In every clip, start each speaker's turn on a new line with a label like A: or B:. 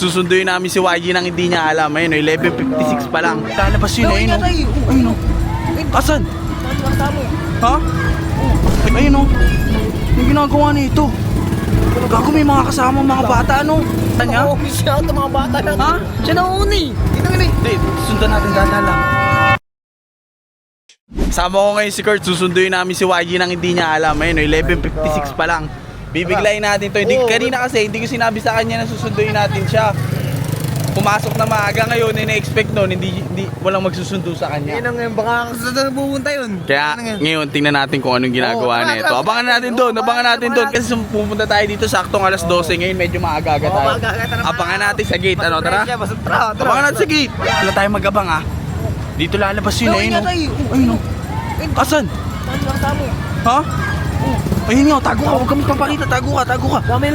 A: Susunduin namin si YG nang hindi niya alam. Ayun, 11:56 pa lang. Lalabas yun, ayun. Ayun, asan? Ha? Ayun, yung ginagawa nito. Gago, may mga kasama mga bata, ano? Tanya?
B: Oo, siya ito mga bata na.
A: Ha?
B: Siya na uni.
A: Hindi, sundan natin dadala. Sama ko ngayon si Kurt, susunduin namin si YG nang hindi niya alam. Ayun, 11:56 pa lang. Bibiglayin natin to. Hindi, kanina kasi hindi ko sinabi sa kanya na susunduin natin siya. Pumasok na maaga ngayon, ina-expect nun, hindi walang magsusundo sa kanya.
B: Yan ang ngayon, baka kasunod na pupunta yun.
A: Kaya ngayon tingnan natin kung anong ginagawa na ito. Abangan natin doon kasi pupunta tayo dito saktong alas 12 ngayon, medyo maaga-aga tayo. Abangan natin sa gate, ano, tara? Abangan natin sa gate. Wala tayong mag-abang, ha. Dito lalabas yun, ayun. Ayun, asan? Ha? Ayun nga, tago ka, huwag kang papakita, tago ka. Tago.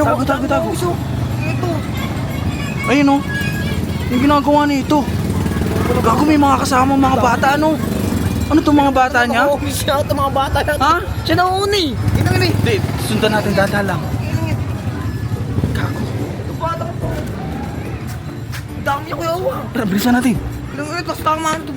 B: Ito.
A: Ayun, yung ginagawa nito. Gago, may mga kasama mga bata, ano? Ano itong mga bata niya?
B: Oo, siya ito mga bata na.
A: Ha?
B: Siya na uni.
A: Hindi, sundan natin dadalang. Gago.
B: Dami niya kuya uwa.
A: Tara, bilisan natin.
B: Ito, tama ito.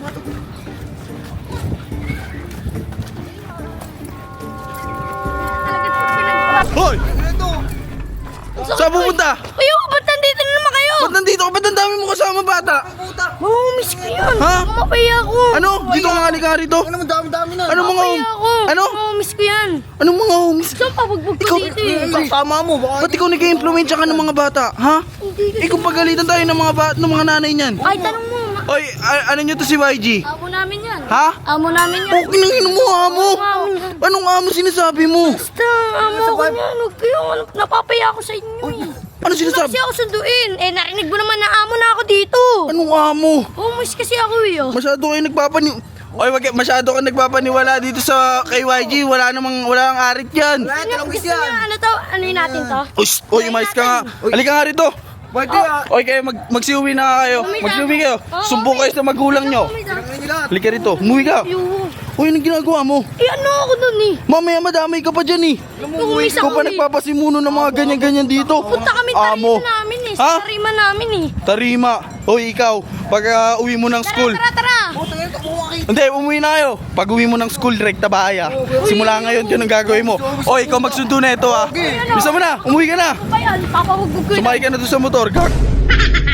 A: Hoy! Saan pupunta?
C: Kayo, ba't nandito na naman kayo?
A: Ba't nandito ka? Ba't ang dami mo kasama bata?
C: Mamamiss ko yan.
A: Ha?
C: Mamapaya ako.
A: Ano? Dito ka nga ka rito?
B: Ano naman dami-dami na.
A: Ano mga
C: Mamapaya ako.
A: Ano?
C: Mamamiss ko yan.
A: Anong mga homies?
C: Saan pabugbog ko dito eh?
B: Kasama mo.
A: Ba't ikaw nag-i-influensya ka ng mga bata? Ha? Ikaw pagalitan tayo ng mga nanay niyan.
C: Ay, tanong mo.
A: Oy, ano nyo to si YG?
C: Amo namin yan.
A: Ha?
C: Amo namin yan.
A: Okay nang ino mo, amo. Anong amo sinasabi mo?
C: Basta, amo ako yan. Huwag kayo. Napapaya ako sa inyo eh.
A: Ano
C: Kasi
A: sinasabi?
C: ako sunduin. Eh, narinig mo naman na amo na ako dito.
A: Anong amo?
C: Umus kasi ako eh. Oh.
A: Masyado kayo masyado ka nagpapaniwala dito sa kay YG. Wala ang arit yan.
C: Gusto niya, ano to? Ano yun natin to?
A: Uy, umayos ka nga. Halika nga rito. Oy, kayo magsiuwi na kayo. Magsiuwi kayo. Sumbong kayo sa magulang nyo. Halika rito. Umuwi ka. Uy, anong ginagawa mo?
C: Eh, ano ako dun eh?
A: Mamaya madamay ka pa dyan eh.
C: Uwis
A: Ikaw
C: ako
A: pa
C: eh.
A: nagpapasimuno ng mga ganyan-ganyan dito.
C: Punta kami
A: Amo.
C: tarima namin eh.
A: Ha?
C: Sa tarima namin eh.
A: Tarima. Hoy, ikaw. Pag uwi mo ng school.
C: Tara.
A: Hindi, umuwi na kayo. Pag uwi mo ng school, direkta bahay ah. Simula ngayon, yun ang gagawin mo. Oy, ikaw magsundo na ito ah. Bisa mo na, umuwi ka na.
C: Ano ba yan? Papahugbog ko yun.
A: Sumakay ka na doon sa motor. Gag.